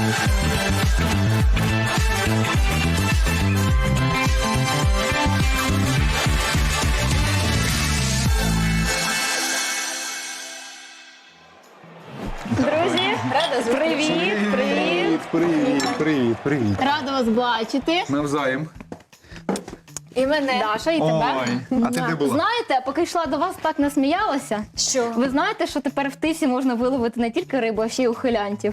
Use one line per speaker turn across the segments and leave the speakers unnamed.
Друзі, привіт. Рада вас бачити.
Навзаєм.
І мене. Даша, і тебе.
Ой, а ти де була?
Знаєте, поки йшла до вас, так насміялася.
Що?
Ви знаєте, що тепер в Тисі можна виловити не тільки рибу, а ще й ухилянтів?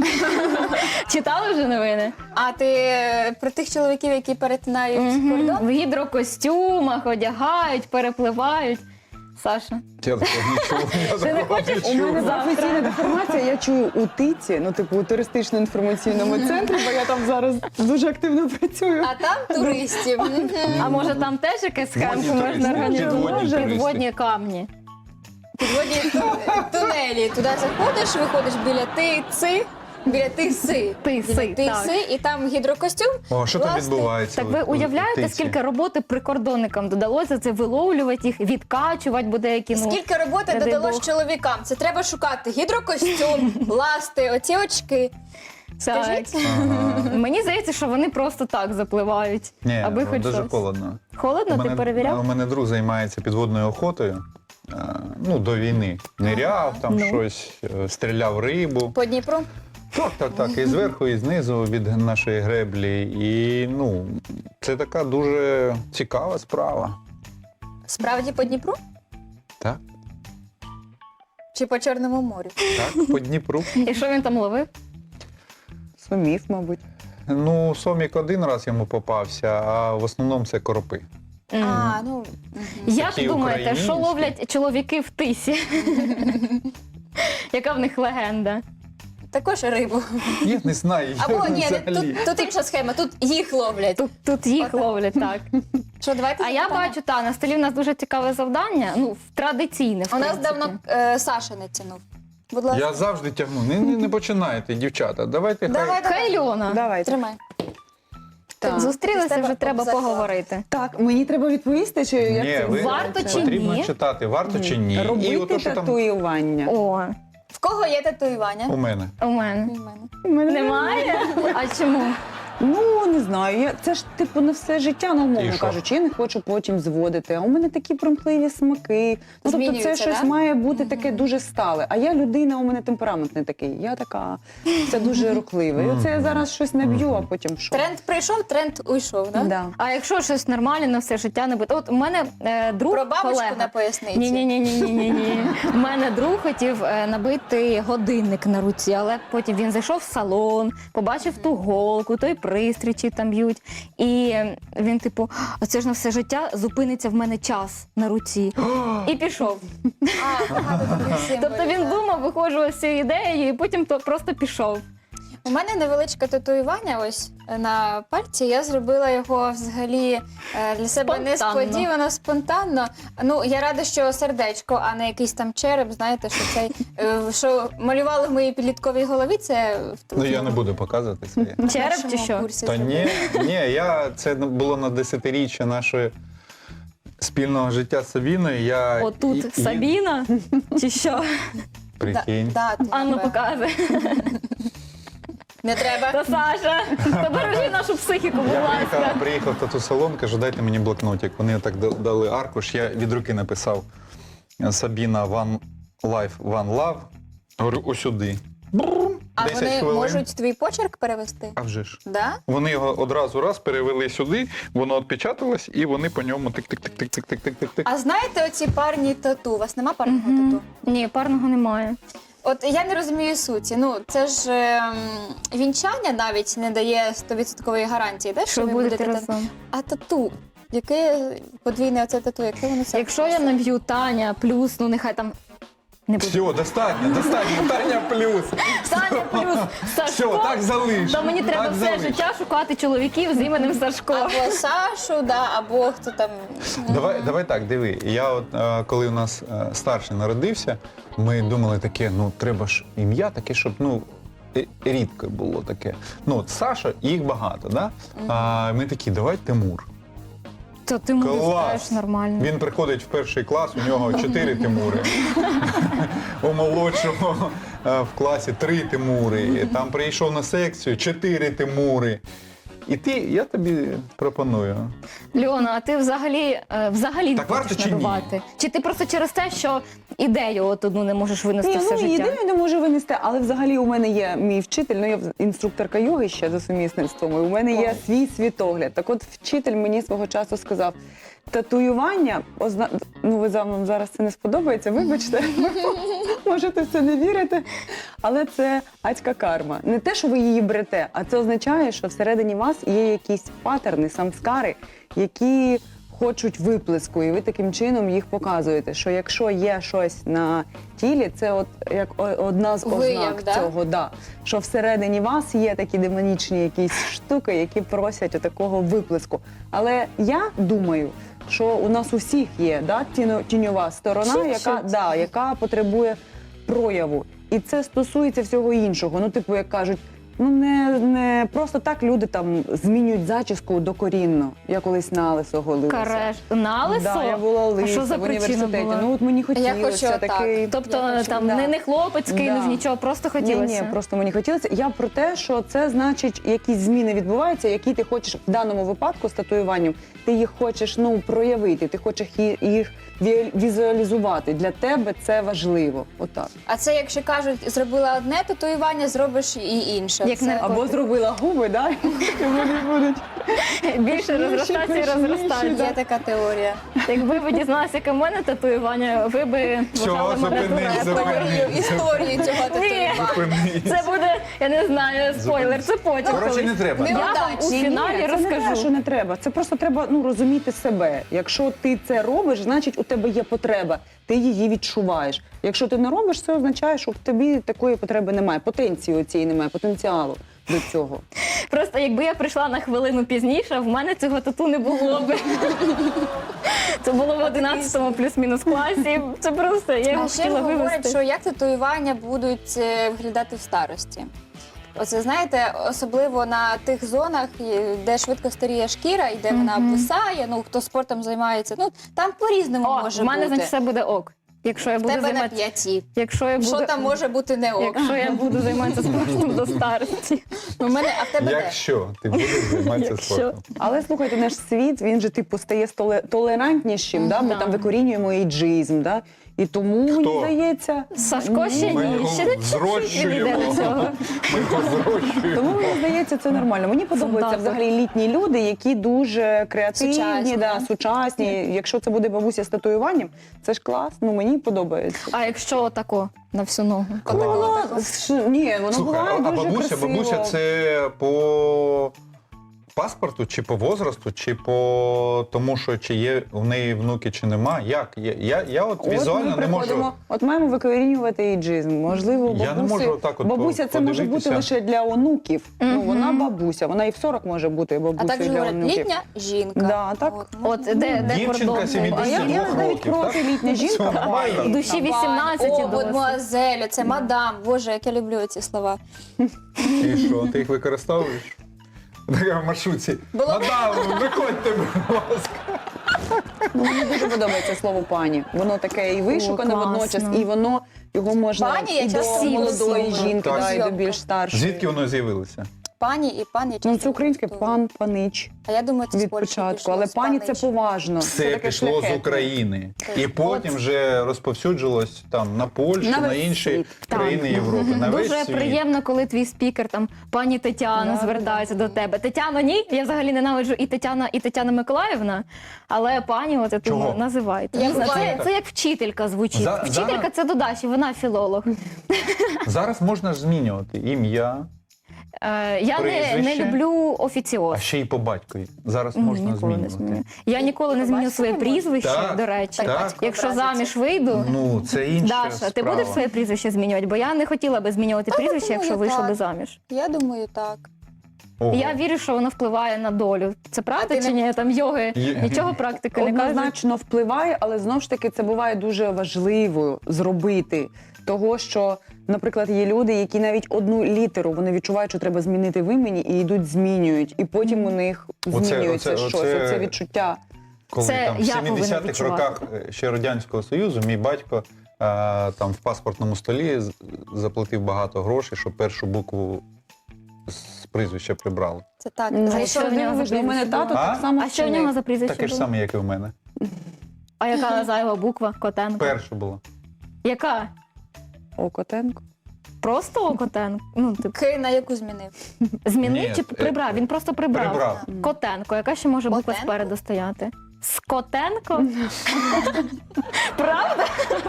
Читали вже новини?
А ти про тих чоловіків, які перетинають кордон?
В гідрокостюмах одягають, перепливають. Саша.
Я такого нічого.
Ти не хочеш?
У мене професійна деформація, я чую у ТИЦі, ну типу у туристично-інформаційному центрі, бо я там зараз дуже активно працюю.
А там туристів.
А може там теж якась схемка
Водні
можна
туристи,
організувати?
підводні туристи.
Підводні камні.
Підводні тунелі. Туди заходиш, виходиш біля Тиси. Біля Тиси.
Тиси, так.
І там гідрокостюм.
О, що там
власне.
відбувається?
Так ви уявляєте,
Тиці?
скільки роботи прикордонникам додалося це виловлювати їх, відкачувати, бо деякі, ну...
Скільки роботи
не дай
додалось
Бог.
чоловікам? Це треба шукати гідрокостюм, ласти, оці очки.
Так.
Скажіть?
Ага.
Мені здається, що вони просто так запливають,
Ні,
аби хоч
дуже
щось.
холодно.
Холодно, ти
У
перевіряв?
мене друг займається підводною охотою. Ну, до війни. Ниряв, там
Ну.
щось, стріляв рибу.
По Дніпру?
Так. І зверху, і знизу від нашої греблі. І, ну, це така дуже цікава справа.
Справді по Дніпру?
Так,
Чи по Чорному морю?
так, по Дніпру.
І що він там ловив?
Сумів, мабуть.
Ну, сомік один раз йому попався, а в основному це коропи.
А, ну...
Як
Такі
думаєте,
українські.
що ловлять чоловіки в Тисі? Яка в них легенда?
Також рибу.
Я не знаю.
Або ні,
взагалі.
тут інша схема, тут їх ловлять.
Тут їх
Отак.
ловлять, так.
Що, давайте
А я
запитаємо?
бачу, на столі в нас дуже цікаве завдання, ну, традиційне, в
У нас
принципі.
давно Саша не тянув. Будь ласка,
Я завжди тягну. Не починайте, дівчата. Давайте
давай,
Хай Льона.
Давайте.
тримай.
Так.
Зустрілися,
З тебе
вже треба
заклад.
поговорити.
Так, мені треба відповісти, чи як
Ні,
це
ви
Варто чи
потрібно
ні?
читати, варто чи ні. І
робити
ото, що там
татуювання.
О,
В кого є татуювання?
у мене.
у мене.
У мене.
У мене
Немає? А чому?
Ну, не знаю. Це ж типу на все життя, ну,
І
умовно
що?
кажучи, я не хочу потім зводити. А у мене такі примхливі смаки. Ну, тобто це
Змінюються,
щось
да?
має бути таке дуже стале. А я людина, у мене темперамент не такий. Я така, це дуже рухливе. І оце я зараз щось наб'ю, а потім що?
Тренд прийшов, тренд уйшов, да?
Да.
А якщо щось нормальне на все життя не буде? От у мене друг,
Про бабочку
колега.
на поясниці.
Ні. У мене друг хотів набити годинник на руці, але потім він зайшов в салон, побачив ту голку, той пристрій, чи там б'ють. І він типу, а це ж на все життя зупиниться в мене час на руці. І пішов.
А, багато таких символів.
Тобто він
да.
думав, виходжував з цією ідеєю, і потім то просто пішов.
У мене невеличке татуювання ось на пальці. Я зробила його взагалі для себе
Спонтанно.
несподівано, спонтанно. Ну, я рада, що сердечко, а не якийсь там череп. Знаєте, що цей що малювали в моїй підлітковій голові, це в
Ну я не буду показувати своє.
на
Череп
першому
чи що?
курсі
Та
зробила.
ні, це було на 10-річчя нашої спільного життя з Сабіною. Я
Отут Сабіна, чи що?
Прикинь.
Да, ти
Анну
тебе.
показує.
Не треба.
Та Саша, побережи нашу психіку, будь
Я
ласка.
приїхав в тату-салон, кажу, дайте мені блокнотик. Вони так дали аркуш, я від руки написав Сабіна One Life, One Love. Говорю, усюди.
А
10
вони
хвилин.
можуть твій почерк перевести?
А вже ж.
Да?
Вони його одразу раз перевели сюди, воно відпечаталось, і вони по ньому тик-тик-тик-тик-тик-тик-тик-тик.
А знаєте оці парні тату? У вас нема парного тату?
Ні, парного немає.
От я не розумію суті. Ну, це ж вінчання навіть не дає 100% гарантії, да,
Що
ви
будете
будете
разом.
А тату? Яке подвійне оце тату? Яке воно це?
Якщо я наб'ю Таня плюс, ну нехай там не буде.
Все, достатньо, Таня плюс.
Таня плюс Сашко,
Все, так залиш.
то мені треба
Так
все
залиш.
життя шукати чоловіків з іменем Сашко.
Або Сашу, да, або хто там.
Давай так, диви. Я от коли у нас старший народився, ми думали таке, ну треба ж ім'я таке, щоб рідко було таке. Ну от Саша, їх багато, да? А ми такі, давай Тимур.
То ти мені
Клас!
скажеш нормально.
Він приходить в перший клас, у нього 4 Тимури. У молодшого в класі 3 Тимури, там прийшов на секцію 4 Тимури. І я тобі пропоную.
Льона, а ти взагалі не
Так варто
хочеш
чи ні?
надувати? Чи ти просто через те, що ідею от одну не можеш винести все життя?
Ідею не можу винести, але взагалі у мене є мій вчитель, я інструкторка йоги ще за сумісництвом, і у мене є свій світогляд. Так от вчитель мені свого часу сказав, татуювання, ви вам зараз це не сподобається, вибачте, можете в це не вірити, але це адська карма. Не те, що ви її берете, а це означає, що всередині вас є якісь патерни, самскари, які хочуть виплеску, і ви таким чином їх показуєте, що якщо є щось на тілі, це от як одна з
Вияв,
ознак
да?
цього, що всередині вас є такі демонічні якісь штуки, які просять такого виплеску. Але я думаю, що у нас у всіх є тіньова сторона, яка потребує прояву. І це стосується всього іншого. Як кажуть, не просто так люди там змінюють зачіску докорінно. Я колись на лисо голилася.
На лисо?
Да, я була
А
лиса
що за
в
причина
університеті.
була?
Мені
Я
хотілося
хочу
такий.
Тобто там не хлопець кинув, нічого, просто хотілося?
Ні, просто мені хотілося. Я про те, що це значить, якісь зміни відбуваються, які ти хочеш в даному випадку з татуюванням, ти їх хочеш проявити, ти хочеш їх візуалізувати. Для тебе це важливо. Отак.
А це, якщо кажуть, зробила одне татуювання, зробиш і інше.
Як
Це-
не-
Або зробила губи, і вони будуть.
Більше розростатися і
пишніші,
розростатися.
Є така теорія.
Якби ви дізналися, яке в мене татуювання, ви би вважали мене
зупинись,
дурепою.
Історію цього татуювання.
Зупинись.
Це буде, я не знаю, спойлер, це потім.
Коротше,
колись.
не треба.
Я вам у
Ні,
фіналі
Це не те,
розкажу.
що не треба. Це просто треба розуміти себе. Якщо ти це робиш, значить у тебе є потреба. Ти її відчуваєш. Якщо ти не робиш, це означає, що в тобі такої потреби немає. Потенції цієї немає, потенціалу до цього.
Просто якби я прийшла на хвилину пізніше, в мене цього тату не було би. Це було в 11-му плюс-мінус класі. Це просто, я його
А ще
хотіла
говорять,
вивести.
що як татуювання будуть виглядати в старості. Оце, знаєте, особливо на тих зонах, де швидко старіє шкіра, і де вона обвисає, хто спортом займається, там по-різному
О,
може
в мене,
бути.
значить, все буде ок. Якщо я
В
буду
тебе на
займатися...
5.
Якщо я буду...
Що там може бути не ок?
Якщо я буду займатися спортом до старості.
У мене, а в тебе де?
Якщо ти будеш займатися
Якщо.
спортом.
Але слухайте, наш світ, він же стає толерантнішим, ми там викорінюємо ейджизм, і тому, мені здається,
Сашко ще
Ми
ні,
його
ще не чуть-чуть
зрощуємо.
відійде до цього.
Ми його зрощуємо.
тому мені здається, це нормально. Мені подобаються
Фундатор.
взагалі літні люди, які дуже креативні,
Сучасні.
сучасні. Якщо це буде бабуся з татуюванням, це ж клас, мені подобається.
А якщо отако на всю ногу?
Ні, воно
Слухай,
буває
а
дуже красиво.
бабуся це по паспорту, чи по возрасту, чи по тому, що чи є в неї внуки, чи нема? Як? Я от візуально
ми
не можу.
приходимо, От маємо викорінювати ейджизм. Можливо, бабусі,
Я не можу так от
бабуся це може бути
подивитися.
лише для онуків. Вона бабуся, вона і в 40 може бути
А
бабусею
так же
для
говорять,
онуків.
літня жінка.
Да, так.
От де
Дівчинка
кордон?
70
А я
двох
навіть
років,
проти
так?
літня жінка.
Все нормально.
В душі 18
О,
і досить.
мадмуазель, це мадам. Боже, як я люблю ці слова.
І що, ти їх використовуєш? Така в маршрутці.
Було-
Мадам, виходьте, будь ласка.
Мені дуже подобається слово пані. Воно таке і вишукане
класно.
водночас, і воно його можна
Пані, я
і
часто
до молодої
всі
жінки,
Так.
і до більш старшої.
Звідки воно з'явилося?
Пані і пан я
Ну,
часто
це українське
використовую.
панич
А я думаю, це з
від
Польщі
початку.
пішло,
Але
з
пані це
панич.
поважно.
Все
таке
пішло з
шляхетне.
України. І потім вже розповсюджилось там на Польщу,
На
на
весь
інші
світ.
країни Європи. На весь
Дуже
світ.
приємно, коли твій спікер, там, пані Тетяна,
Да,
звертається до тебе. Тетяно, ні, я взагалі ненавиджу і Тетяна Миколаївна, але пані, от
Чого?
називайте.
Як
Не знаю,
буває.
це як вчителька звучить. Вчителька
зараз-
це до Даші, вона філолог.
Зараз можна ж змінювати ім'я,
Я не
Прізвище?
люблю
а
офіціоз.
ще й по батькові. Зараз можна
Ніколи не
змінювати.
зміню. Я ніколи не зміню
Батько
своє
не може?
прізвище,
Так,
до речі.
так.
Якщо
Образиться.
заміж вийду,
Ну, це інша
Даша,
справа.
ти будеш своє прізвище змінювати? Бо я не хотіла би змінювати прізвище,
думаю,
якщо вийшла
так.
би заміж.
Я думаю, так.
Ого.
Я вірю, що воно впливає на долю. Це правда
ти
чи
не-
ні? Там йоги,
Є-
нічого практики не кажуть.
Однозначно впливає, але знову ж таки це буває дуже важливо зробити. Того, що, наприклад, є люди, які навіть одну літеру вони відчувають, що треба змінити в імені, і йдуть, змінюють. І потім у них змінюється щось. Оце відчуття.
Коли
Це
там в
я повинна
70-х
відчувати.
роках ще Радянського Союзу мій батько там в паспортному столі заплатив багато грошей, щоб першу букву з прізвища прибрали.
Це так.
Ну,
Це
і що в нього за
У мене
прізвище
тато
було?
А?
так само
А що в
вчинив.
нього за прізвище
Таке ж
було?
саме, як і в мене.
А яка зайва буква? Котенко?
Перша була.
Яка?
Окотенко.
Просто Котенко? Ну, типу,
К на яку змінив?
змінив
Ні,
чи прибрав? Він просто прибрав.
Прибрав.
Котенко. Яка ще може буква
Котенко?
спереду стояти? Скотенко? Правда?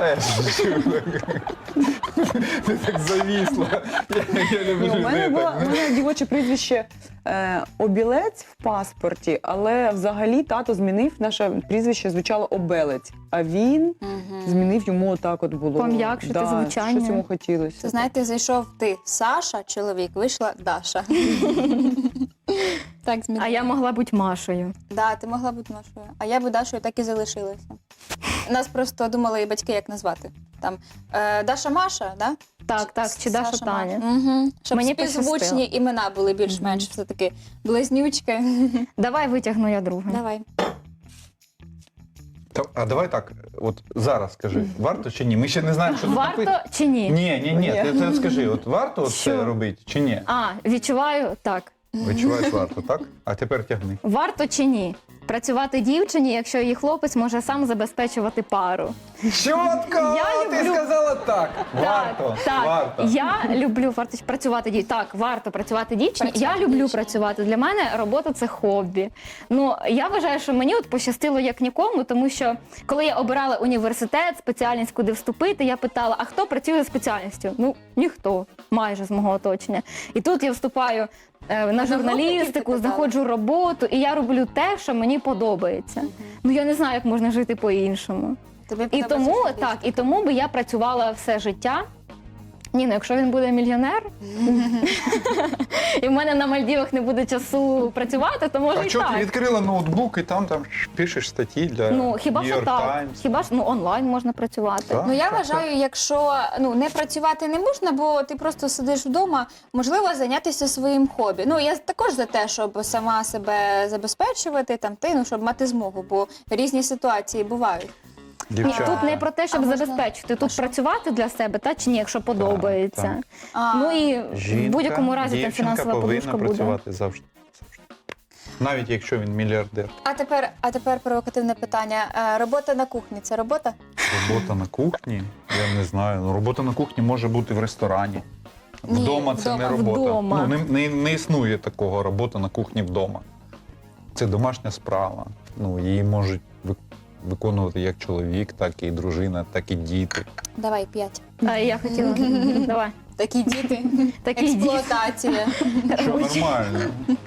Ти так завісла. Я люблю
Ні, у мене
людей
було
так.
у мене дівоче прізвище Обілець в паспорті, але взагалі тато змінив, наше прізвище звучало Обелець, а він змінив йому отак от було.
Пом'якшити звучання.
Щось йому хотілося.
Це, знаєте, зайшов ти, Саша, чоловік, вийшла Даша. Так змінив.
А я могла бути Машею.
Да, ти могла бути Машою. А я би Дашою так і залишилася. Нас просто думали і батьки, як назвати. Там Даша Маша, да?
Так, чи Даша Таня.
Угу. Щоб
Мені
співзвучні
пощастило.
імена були більш-менш все-таки близнючки.
Давай витягну я другу.
Давай.
А давай так, от зараз скажи, варто чи ні? Ми ще не знаємо, що тут
Варто
написано.
чи ні?
Ні, ти скажи, от варто от
Що?
це робити чи ні?
А, відчуваю так.
Відчуваєш варто, так? А тепер тягни.
Варто чи ні? Працювати дівчині, якщо її хлопець може сам забезпечувати пару.
Чітко!
Я
Ти
люблю-
сказала так! Варто!
Так,
Варто!
я люблю працювати дівчині. Так, варто працювати дівчині.
Працювати
Я люблю
дівчині.
працювати. Для мене робота це хобі. Ну я вважаю, що мені от пощастило як нікому, тому що коли я обирала університет, спеціальність, куди вступити, я питала: а хто працює за спеціальністю? Ну ніхто, майже з мого оточення. І тут я вступаю на
Одногрупників ти
журналістику,
питала?
знаходжу роботу, і я роблю те, що мені подобається. Ну я не знаю, як можна жити по-іншому.
Тобі
І
подобається
тому
журналістика?
так, і тому би я працювала все життя. Ні, ну якщо він буде мільйонер, і в мене на Мальдівах не буде часу працювати, то може
А
і
чого ти
так.
відкрила ноутбук і там пишеш статті для
Ну хіба
New
що
York
так?
Times?
Хіба ж онлайн можна працювати?
Так.
Ну я
так,
вважаю, якщо не працювати не можна, бо ти просто сидиш вдома, можливо, зайнятися своїм хобі. Ну я також за те, щоб сама себе забезпечувати, щоб мати змогу, бо різні ситуації бувають.
Ні,
Дівчата.
тут не про те, щоб
А можна-
забезпечити, тут працювати для себе, та чи ні, якщо подобається.
так.
Ну і в будь-якому разі там
дівчинка
фінансова
повинна
подушка буде.
працювати завжди. Навіть якщо він мільярдер.
А тепер провокативне питання. Робота на кухні це робота?
Робота на кухні? Я не знаю. Ну, робота на кухні може бути в ресторані.
Ні,
Вдома це не
вдома.
робота.
Вдома.
Ну, не існує такого робота на кухні вдома. Це домашня справа. Ну, її можуть виконувати як чоловік, так і дружина, так і діти.
Давай 5.
А я хотіла. Давай.
Такі діти.
Такі діти.
Експлуатація.
Що нормально.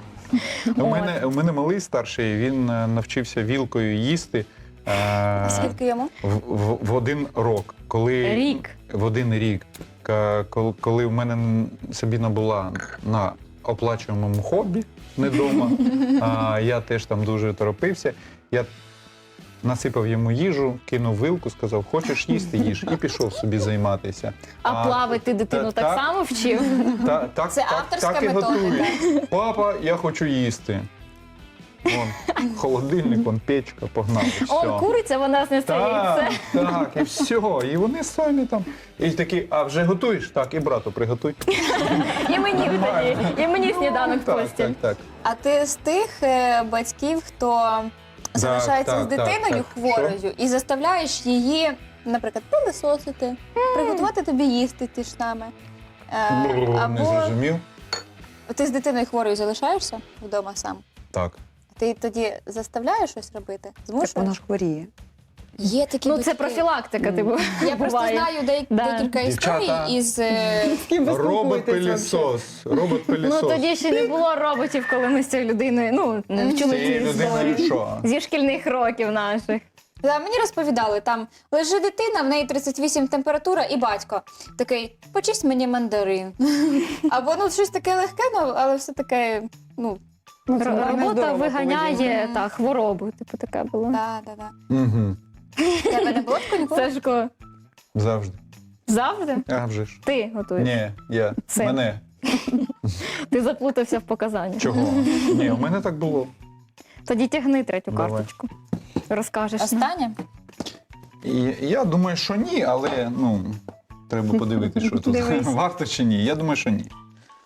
У мене малий старший, він навчився вілкою їсти
Скільки йому?
в 1 рік.
Рік.
В 1 рік. Коли в мене Сабіна була на оплачуваному хобі, не вдома, я теж там дуже торопився. Я насипав йому їжу, кинув вилку, сказав, хочеш їсти, їж, і пішов собі займатися.
А плавати ти дитину так само вчив?
Це авторська
так і
метода,
готують. Папа, я хочу їсти. Вон, холодильник, вон печка, погнали.
О,
Все.
куриця, вона знесе яйце.
Так, і все. І вони самі там. І такі, а вже готуєш? Так, і брату приготуй.
І мені тоді, і мені сніданок в
Так,
постіль.
так, так.
А ти з тих батьків, хто залишається
так,
з дитиною
так.
хворою і заставляєш її, наприклад, пилисосити, приготувати тобі їсти ті ж саме.
Не
Або
зрозумів?
ти з дитиною хворою залишаєшся вдома сам.
Так.
Ти тоді заставляєш щось робити?
Так вона
Змушуєш?
ж хворіє.
Є такі
Ну
батьки.
це профілактика, типу.
Я просто
буває.
знаю
Да.
декілька
Дівчата.
історій із
З ким ви спілкуєтесь
Робот-пилісос.
Ну
Робот-пилісос.
тоді ще не було роботів, коли ми з цією людиною, вчили
Цією
ці
людиною
історії.
що?
Зі шкільних років наших.
Да, мені розповідали, там лежить дитина, в неї 38 температура, і батько такий, почисть мені мандарин. Або щось таке легке, але все таке,
Ну, це нормальна,
Робота
здорова
виганяє
поведінка.
хворобу, типу таке було.
да.
Угу.
Тебе не було такого ніколи?
Сашко,
Завжди.
завжди
А вже ж.
ти готуєш.
Ні, я.
Це.
Мене.
Ти заплутався в показаннях.
Чого? Ні, у мене так було.
Тоді тягни третю
Давай.
карточку. Розкажеш нам.
Останнє?
Я думаю, що ні, але ну, треба подивитися, що тут
Дивись.
варто чи ні. Я думаю, що ні.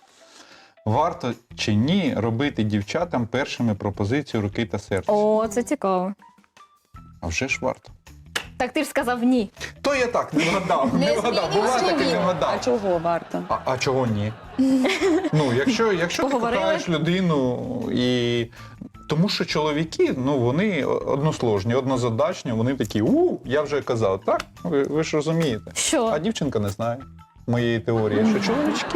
Варто чи ні робити дівчатам першими пропозицію руки та серця?
О, це цікаво.
А вже ж варто.
Так ти ж сказав ні.
То я так не вгадав, не вгадав.
змінюєш
Буває таке,
ні.
не
А
вгадав.
чого варто?
А чого ні? Ну, якщо ти
Поговорили?
кохаєш людину і. Тому що чоловіки, ну вони односложні, однозадачні, вони такі, я вже казав, так? Ви ж розумієте.
Що?
А дівчинка не знає моєї теорії, що чоловічки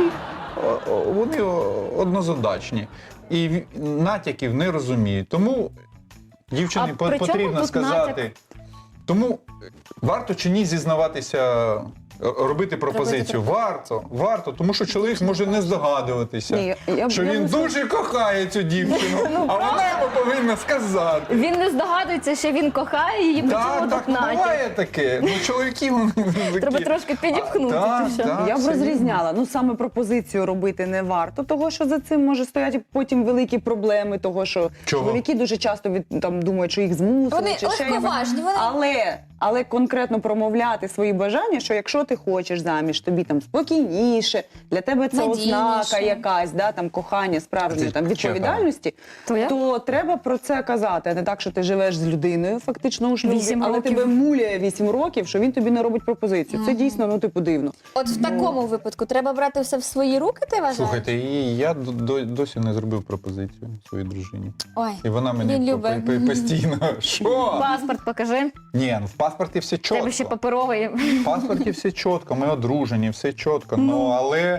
вони однозадачні і натяків не розуміють. Тому дівчині
А при чому
потрібно
тут
сказати.
натяк?
Тому варто чи ні зізнаватися, робити пропозицію? Варто, тому що чоловік може не здогадуватися,
Ні,
що
я
він
не
дуже кохає цю дівчину, а вона йому повинна сказати.
Він не здогадується, що він кохає її, при
Так,
чому
так,
тут натяк.
буває таке. Ну, чоловіки, вони такі.
Треба трошки підіпхнути,
Так,
чи що?
так,
Я б
все
розрізняла. Ну саме пропозицію робити не варто, того що за цим може стояти потім великі проблеми, того що
Чого?
чоловіки дуже часто там думають, що їх змусили.
Вони
чи ще якось.
легковажні, вони-
Але конкретно промовляти свої бажання, що якщо ти хочеш заміж, тобі там спокійніше, для тебе це
Надійніше.
ознака якась, да, там кохання, справжньої
Це
там відповідальності,
То як?
то треба про це казати, а не так, що ти живеш з людиною фактично у шлюбі,
8
але
років.
тебе муляє 8 років, що він тобі не робить пропозицію. Це дійсно, ну типу дивно.
От в такому випадку треба брати все в свої руки, ти вважаєш?
Слухайте, і я досі не зробив пропозицію своїй дружині.
Ой,
І вона
він
мені
любить.
постійно. Що?
Паспорт покажи.
Ні, ну в паспорті все
Тебе ще
чітко.
паперовий.
В паспорті все чітко, ми одружені, все чітко. Ну, але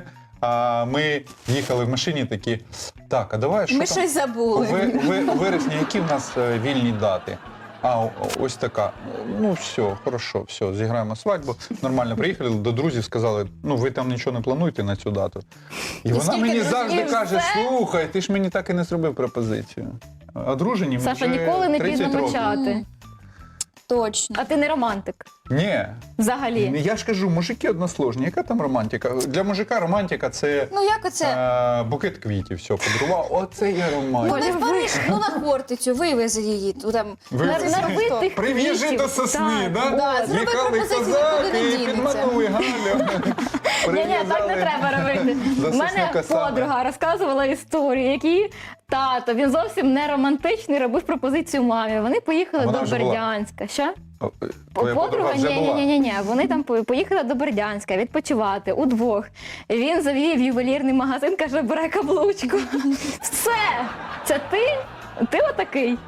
ми їхали в машині такі, так, а давай, що
Ми
там?
щось забули.
У вересні які в нас вільні дати? Ось така. Ну, все, хорошо, все, зіграємо свадьбу. Нормально приїхали до друзів, сказали, ну ви там нічого не плануєте на цю дату. І вона
скільки
мені
друзів?
завжди
І
каже,
все?
слухай, ти ж мені так і не зробив пропозицію. Одружені ми
Саша,
вже
ніколи не
30
пізно
років.
почати.
Точно.
А ти не романтик.
Ні.
Взагалі.
Я ж кажу, мужики односложні. Яка там романтика? Для мужика романтика це
Ну як оце?
букет квітів, все, подарував. Оце є
Ну
романтика.
не в Париж, ну на Хортицю, вивези її. Там,
Вивези.
Нарви тих
Прив'яжи
квітів.
до сосни,
Так.
да?
Да, зроби
Їхали
пропозицію,
козаки
нікуди не
і
дінеться.
підмануй Галю.
Ні, так не треба робити.
до
У мене
сосника саме.
подруга розказувала історію, який тато, він зовсім не романтичний, робив пропозицію мамі. Вони поїхали
А вона
до
вже була?
Бердянська. Що?
Твоя подруга вже була?
Ні. Вони там поїхали до Бердянська відпочивати удвох. Він завів ювелірний магазин, каже, бере каблучку. Все! Це ти? Ти отакий?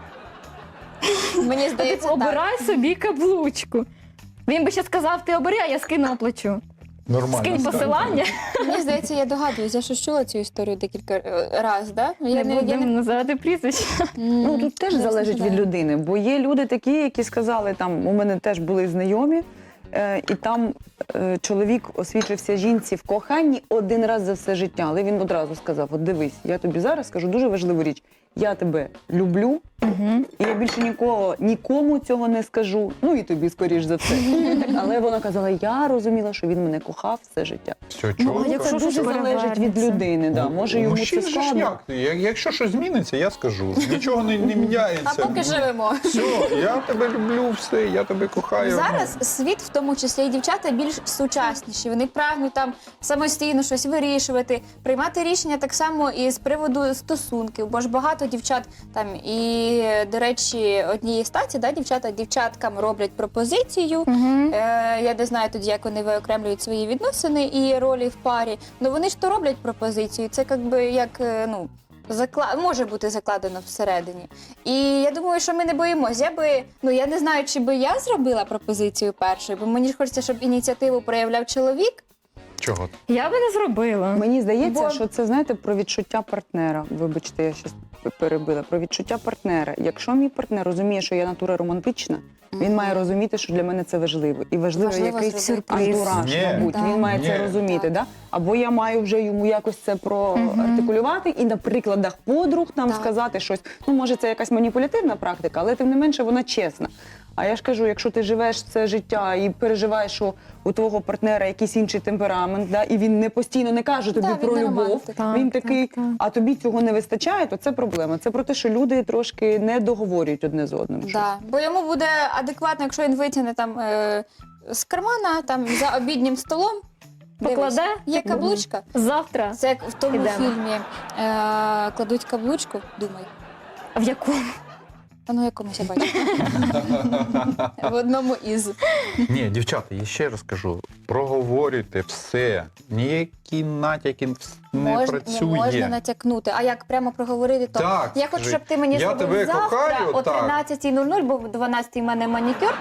Мені
Ти
здається, так.
обирай собі каблучку. Він би ще сказав, ти обери, а я скину оплачу.
Нормально.
Скинь посилання.
Мені здається, я догадуюсь, я щось чула цю історію декілька разів, да?
Не будемо називати прізвище.
Ну тут теж
Я
залежить від
знаю.
людини, бо є люди такі, які сказали, там у мене теж були знайомі, і там чоловік освічився жінці в коханні один раз за все життя, але він одразу сказав: от дивись, я тобі зараз скажу дуже важливу річ. Я тебе люблю, і я більше нікому цього не скажу. Ну і тобі, скоріш за все. Але вона казала, я розуміла, що він мене кохав все життя.
Все,
Ну,
чого?
якщо
Це дуже
щось
залежить від
перевернеться.
людини. Да. Може йому це
Мужчин же ж
складно.
як? Якщо щось зміниться, я скажу. Нічого не міняється.
А поки живемо.
Все, я тебе люблю, все, я тебе кохаю.
Зараз світ, в тому числі і дівчата, більш сучасніші. Вони прагнуть там самостійно щось вирішувати, приймати рішення так само і з приводу стосунків. Бо ж багато дівчат там і, до речі, однієї статі, да, дівчаткам роблять пропозицію. Я не знаю тоді, як вони виокремлюють свої відносини і ролі в парі. Ну вони ж то роблять пропозицію. Це як ну. Може бути закладено всередині. І я думаю, що ми не боїмося. Я не знаю, чи би я зробила пропозицію першою, бо мені ж хочеться, щоб ініціативу проявляв чоловік.
Чого?
Я би не зробила.
Мені здається,
Бо-
що це, знаєте, про відчуття партнера. Вибачте, я щось перебила. Про відчуття партнера. Якщо мій партнер розуміє, що я натура романтична, він має розуміти, що для мене це важливо. І важливо
Важливо
якийсь
зробити.
антураж,
Ні.
мабуть.
Так.
Він має це
Ні.
розуміти.
Так.
Да? Або я маю вже йому якось це проартикулювати і на прикладах подруг нам
Так.
сказати щось. Ну, може, це якась маніпулятивна практика, але тим не менше вона чесна. А я ж кажу, якщо ти живеш це життя і переживаєш, що у твого партнера якийсь інший темперамент, да, і він не постійно не каже тобі
Да, він
про
не
любов,
романтик.
Так,
він
так,
такий,
так.
а тобі цього не вистачає, то це проблема. Це про те, що люди трошки не договорюють одне з одним. щось.
Да. Бо йому буде адекватно, якщо він витягне там з кармана, там за обіднім столом.
Покладе?
Дивись, є каблучка.
Завтра.
Це як в тому
Ідемо.
фільмі кладуть каблучку, думай.
В якому?
А ну якомусь я бачу. В одному із.
Ні, дівчата, я ще раз кажу, проговорюйте все. Ніякі натяки не працює.
Не можна натякнути. А як прямо проговорити, то
Так,
я хочу,
скажи,
щоб ти мені
я
зробив
тебе
завтра
кохаю,
о
так.
13:00, бо в 12:00 в мене манікюр.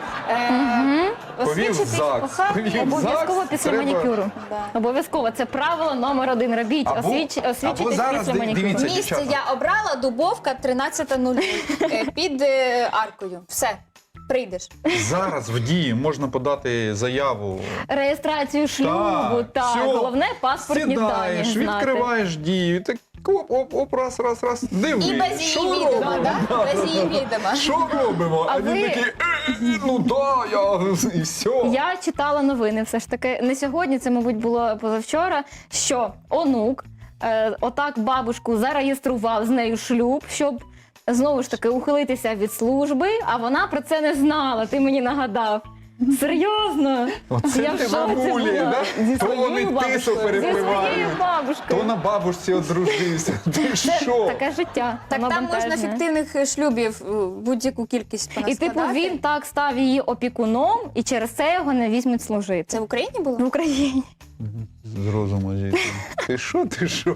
Повів
Освічити
ЗАГС,
кохання.
повів.
Обов'язково
ЗАГС
після
треба-
манікюру.
Да.
Обов'язково. Це правило номер 1. Робіть.
Або
Освічитись
зараз
після манікюру.
дивіться,
Місце
дівчата.
я обрала, Дубовка, 13:00. Під аркою. Все, прийдеш.
Зараз в дії можна подати заяву.
Реєстрацію шлюбу, так.
всьо.
Головне паспортні дані
Сідаєш,
знати.
відкриваєш дію, так оп, раз, диви.
І без
що
її відома,
робимо?
да? Без її відома.
Що робимо?
А
А він
ви-
такий, ну да, і все.
Я читала новини все ж таки. Не сьогодні, це, мабуть, було позавчора, що онук отак бабушку зареєстрував з нею шлюб, щоб знову ж таки ухилитися від служби, а вона про це не знала. Ти мені нагадав. Серйозно?
Оце
Я в
ти
шоці
бабулі,
була.
да?
Зі
То
своєю
вони тису
бабушкою.
Зі своєю
перепливають,
бабушкою.
то на бабушці одружився. Ти
Це
що?
таке життя.
Так
воно
там можна
бентежне.
фіктивних шлюбів будь-яку кількість
І
понаскладати.
типу він так став її опікуном, і через це його не візьмуть служити.
Це в Україні було?
В Україні.
З розуму зійти. Ти що?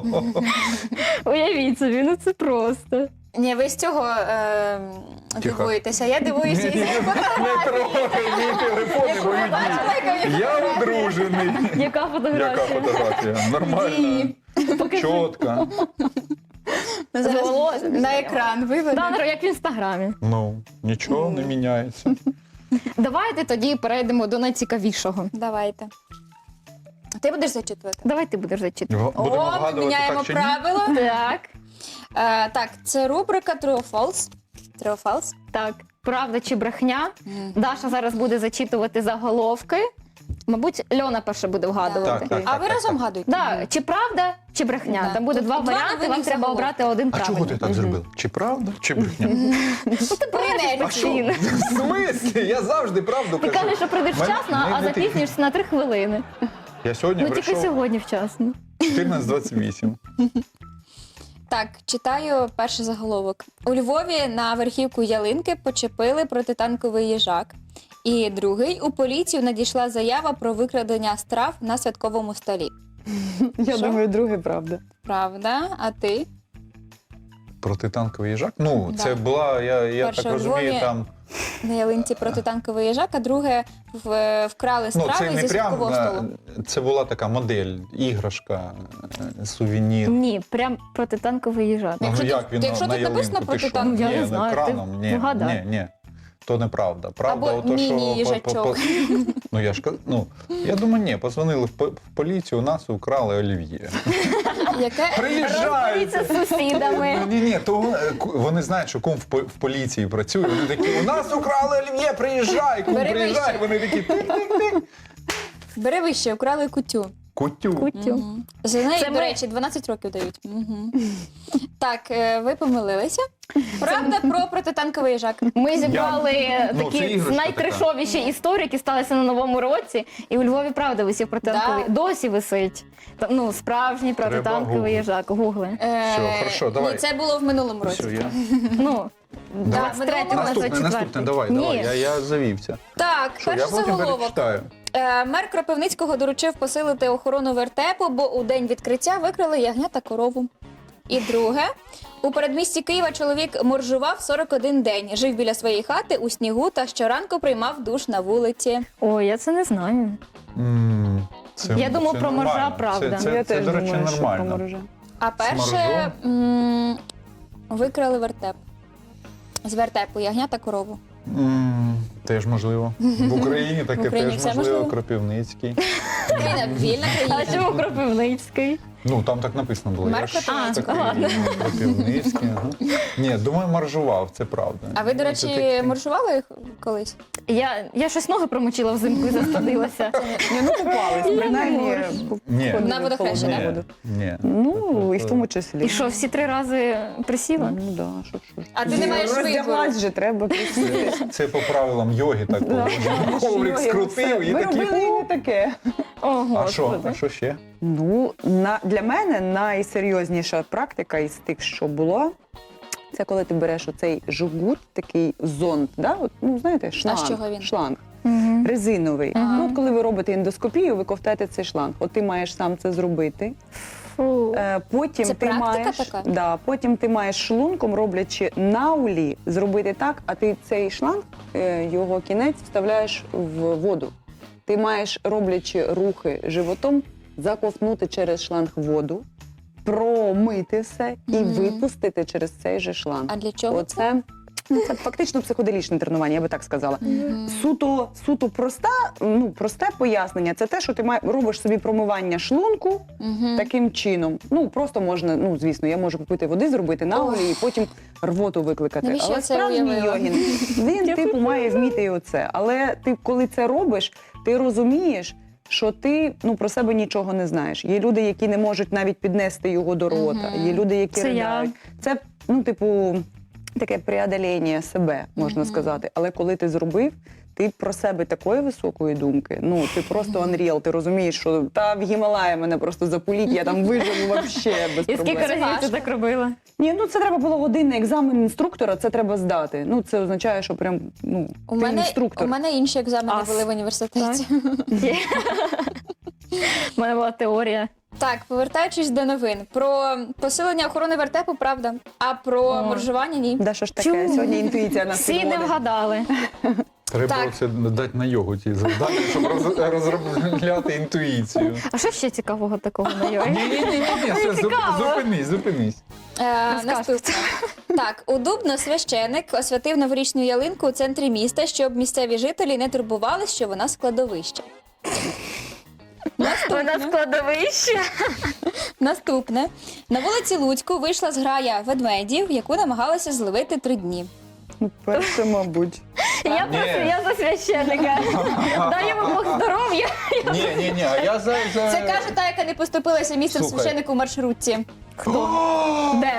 Уявіть собі, ну це просто.
Ні, ви з цього дивуєтеся. Я дивуюся із
Не трогай мій телефон і мою дію. Я одружений.
Яка
Яка
фотографія?
фотографія? Нормально. Чітко.
зараз
волоссям
на екран виведу.
Да, як в інстаграмі.
Ну, нічого не міняється.
Давайте тоді перейдемо до найцікавішого.
Давайте. Ти будеш зачитувати?
Давай ти будеш зачитувати.
Будемо
О, ми
вгадувати,
міняємо
так чи ні?
правила.
Так,
Так, це рубрика True or False. True or False.
так. Правда чи брехня? Даша зараз буде зачитувати заголовки. Мабуть, Льона перше буде вгадувати.
Так.
А ви разом гадуєте?
Да, чи правда, чи брехня?
Да.
Там буде
Тут
два
два
варіанти, вам
новинних
треба
заголовки.
обрати один
А
правильний.
чого ти так зробив? Чи правда, чи брехня?
Ну, ти брешеш
А що?
постійно.
В смислі? Я завжди правду
Ти
кажу.
кажеш, що прийдеш
Мене-
вчасно,
не-
а
не ти.
запізнюєшся на 3 хвилини.
Я сьогодні
Ну тільки
прийшов
сьогодні вчасно.
14:28.
Так, читаю перший заголовок. У Львові на верхівку ялинки почепили протитанковий їжак. І другий, у поліцію надійшла заява про викрадення страв на святковому столі.
Я
Що?
думаю, друге правда.
Правда? А ти?
Протитанковий їжак? Ну,
Да.
це була, я
Перше
так
у
розумію,
Львові.
там.
На ялинці протитанковий їжак, а друге вкрали
Ну,
страви
це не
зі
прям,
святкового столу.
це була така модель, іграшка, сувенір.
Ні, прям протитанковий їжак.
Ну,
Якщо
як
тут-
він
якщо
на
тут написано
ялинку? Ти що?
протитанковий-
Я
Ні,
не
ну,
знаю,
краном,
ти
ні,
вгадай.
ні. То неправда. Правда,
Або
ото, що
міні-їжачок.
Ну я ж я думаю, ні, позвонили в поліцію, у нас украли олів'є.
Яке?
Розберіться з сусідами.
Ні, то вони знають, що кум в поліції працює. Вони такі, у нас украли олів'є, приїжджай, кум
Бери
приїжджай.
вище.
Вони такі тик-тик-тик.
Бери вище, вкрали кутю.
Кутю.
Кутю.
За неї,
Це
до
ми-
речі, 12 років дають. Так, ви помилилися. Правда про протитанковий їжак.
Ми зібрали
Ну, це
такі
іграшка
найтришовіші історії, які сталися на Новому році. І у Львові правда висів протитанковий.
Да.
Досі висить. Ну, справжній протитанковий
гуглити.
їжак. Гугли.
Все, хорошо, давай.
Ні, це було в минулому році.
Все, я...
Ну,
Да,
23-го на
Наступне,
24-й.
давай,
Ні.
я завівся.
Так,
Що, я
перший
потім
заголовок.
перечитаю.
Мер Кропивницького доручив посилити охорону вертепу, бо у день відкриття викрали ягня та корову. І друге. У передмісті Києва чоловік моржував 41 день. Жив біля своєї хати у снігу та щоранку приймав душ на вулиці.
Ой, я це не знаю.
Це,
Я думав,
це
про моржа
нормально.
правда.
Це,
Я
це,
теж
до речі,
думаю, що про
нормально.
моржа.
А перше викрали вертеп. З вертепу ягня та корову.
Теж можливо. В Україні таке
В Україні
теж
все
можливо.
можливо.
Кропивницький.
Україна вільна
А
країна.
чому Кропивницький?
Ну, там так написано було. Я
Марко
ж
Троїцький.
такий,
ладно.
Кропивницький, ага. Ні, думаю, маржував, це правда.
А ви, до
Ну, це
речі,
таке.
маршували можливо?
Я щось ноги промочила взимку і застудилася.
Ні, ну купались, принаймні.
Ні.
входили
На
в
водохреща,
холодну
да?
воду.
Ні.
Ну, і в тому числі.
І що, всі 3 рази присіла?
Ну, да, що.
А ти не маєш вибору.
Роздяглась же, треба присісти.
Це по правилам йоги так
Да,
було. Коврик
йоги,
скрутив
все.
і
Ми
такий.
робили і не таке.
О,
А що?
Господи.
А що ще?
Ну, для мене найсерйозніша практика із тих, що було, це коли ти береш оцей жгут, такий зонд, да? От, ну, знаєте, шланг.
з чого він?
Шланг.
Мгм.
Резиновий.
Ага.
Ну, от коли ви робите ендоскопію, ви ковтаєте цей шланг. От ти маєш сам це зробити.
Фу.
Потім
Це
ти
практика
маєш,
така?
Да, потім ти маєш шлунком, роблячи наулі, зробити так, а ти цей шланг, його кінець вставляєш в воду. Ти маєш, роблячи рухи животом, заковтнути через шланг воду, промити все і
Мгм.
випустити через цей же шланг.
А для чого?
Оце це фактично психоделічне тренування, я би так сказала.
Мгм.
Суто просте пояснення. Це те, що ти робиш собі промивання шлунку
Мгм.
таким чином. Ну просто можна, ну звісно, я можу купити води, зробити наголі і потім рвоту викликати.
Навіщо
Але
я це
справжній
уявила?
йогін, він типу має вміти і оце. Але ти, коли це робиш, ти розумієш, що ти про себе нічого не знаєш. Є люди, які не можуть навіть піднести його до рота.
Мгм.
Є люди, які
Це я.
ридають. Це таке преодоління себе, можна
Мгм.
сказати. Але коли ти зробив, ти про себе такої високої думки, ти просто unreal, ти розумієш, що в Гімалаї мене просто запуліть, я там виживу вообще без
І
проблем.
скільки разів ти
важко.
так робила?
Ні, це треба було годинний екзамен інструктора, це треба здати. Це означає, що прям,
У
ти
мене,
інструктор.
у мене інші екзамени
Ас.
були в університеті.
Є. У мене була теорія.
Так, повертаючись до новин. Про посилення охорони вертепу, правда. А про
О.
моржування ні.
Да, що ж таке?
Чому?
Сьогодні інтуїція нас
Всі не
підводить.
вгадали.
Треба
Так.
це дати на йогу ті завдання, щоб розробляти інтуїцію.
А що ще цікавого такого на йої?
Ні, все,
цікаво.
зупинись.
Наступне. Так, у Дубно священик освятив новорічну ялинку у центрі міста, щоб місцеві жителі не турбували, що вона складовище.
Вона складовище.
Наступне. На вулиці Луцьку вийшла зграя ведмедів, яку намагалися зловити 3 дні.
Перше, мабуть.
Я за священника. Дай йому Бог здоров'я.
Ні, а я за...
Це каже та, яка не поступилася місцем
Слухай.
священику в маршрутці.
Де?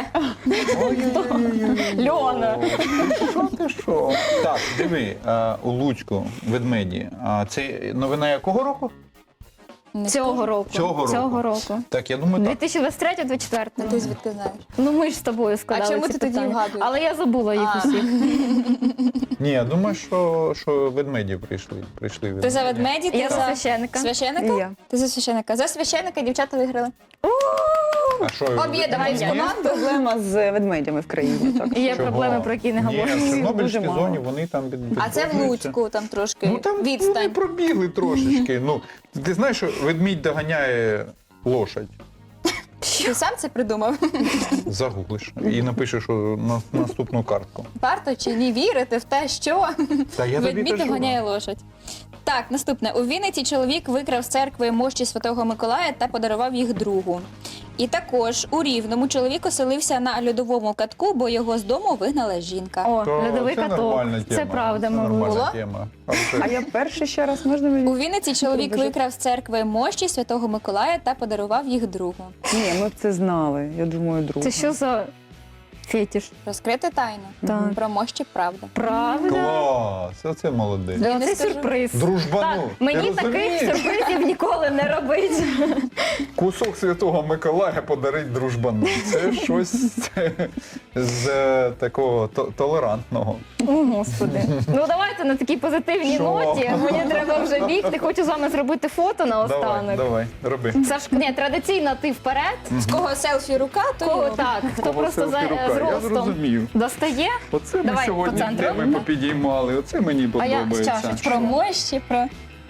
Льона.
Що? Так, диви, у Луцьку ведмеді. А це новина якого року?
Не
Цього року.
Цього року. Так, я думаю, так.
2023-2024.
скажу. Ти звідки знаєш?
Ну ми ж з тобою складали
А чому
ці
ти тоді
питання.
вгадуєш?
Але я забула їх
А.
усіх.
Ні, я думаю, що ведмеді прийшли.
Ти за ведмеді, ти
Я за
за
священика.
священика?
І я.
Ти за священика. За священика дівчата виграли.
А що,
Об'єднуємось
ні?
в команду.
Проблема з ведмедями в країні. Так.
І є
Чого?
проблеми, про які не
Ні,
говоримо.
в Чорнобильській
Дуже мало.
зоні вони там
А це в
відроджуються.
Луцьку, там трошки
Ну там вони
відстань.
пробігли трошечки. Ну, ти знаєш, що ведмідь доганяє лошадь.
Ти сам це придумав?
Загуглиш і напишеш на наступну картку.
Варто чи ні вірити в те, що
Та я тобі
ведмідь
кажу.
доганяє лошадь. Так, наступне. У Вінниці чоловік викрав з церкви мощі Святого Миколая та подарував їх другу. І також у Рівному чоловік оселився на льодовому катку, бо його з дому вигнала жінка.
О,
То
льодовий
це
каток.
нормальна тема.
Це правда,
Це
Марусь.
нормальна
Була?
тема.
А я перший ще раз можна мені?
У Вінниці чоловік
Боже.
викрав з церкви мощі Святого Миколая та подарував їх другу.
Ні, ми б це знали. Я думаю, друг.
Це що за фетиш?
Розкрити тайну.
Так.
Про мощі правда.
Правда?
Клас, оце молодець.
Я не
Це
скажу.
сюрприз.
Дружбану.
Так, мені
Ти
таких
розумієш?
сюрпризів ніколи не робить.
Кусок Святого Миколая подарить дружбану. Це щось з такого толерантного.
О, Господи. Ну давайте на такій позитивній
Що?
ноті. Мені треба вже бігти. Хочу з вами зробити фото
Давай,
наостанок.
давай, роби.
Саш, ні, традиційно ти вперед.
З кого селфі рука, то
Кого
його.
так, хто
Кого
просто
селфі рука?
з
Я
ростом
зрозумів.
достає.
Оце ми
Давай,
сьогодні
по центру.
теми попідіймали. Оце мені
А я з
подобається.
чашечкою.
Про мощі, про...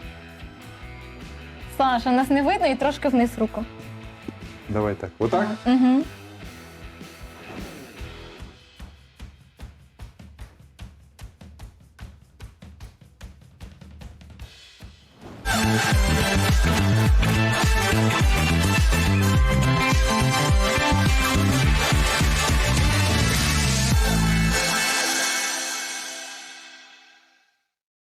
Саша, нас не видно і трошки вниз руку.
Давай так. Отак?
Угу.